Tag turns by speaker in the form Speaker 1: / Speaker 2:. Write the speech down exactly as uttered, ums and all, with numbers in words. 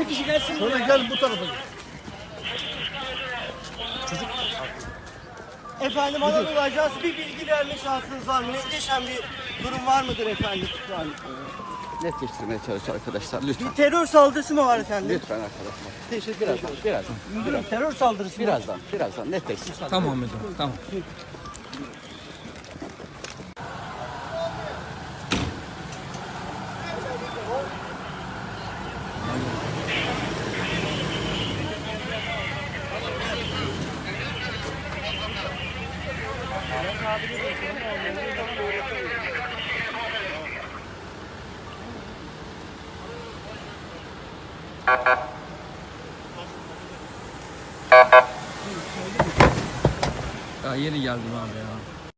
Speaker 1: iki kişi gelsin.
Speaker 2: Sonra gel bu tarafa gel.
Speaker 1: Efendim Anadolu Ajansı bir bilgi verme şansınız var mı? Netleşen bir durum var mıdır efendim? Şu an?
Speaker 3: Netleştirmeye çalış arkadaşlar lütfen.
Speaker 1: Bir terör saldırısı mı var efendim?
Speaker 3: Lütfen arkadaşlar.
Speaker 1: Teşekkür
Speaker 3: Birazdan,
Speaker 1: ederim.
Speaker 3: birazdan,
Speaker 1: Müdürüm terör saldırısı mı?
Speaker 3: birazdan, birazdan netleştir.
Speaker 4: Tamam müdürüm, tamam. Ya yeni geldim abi ya.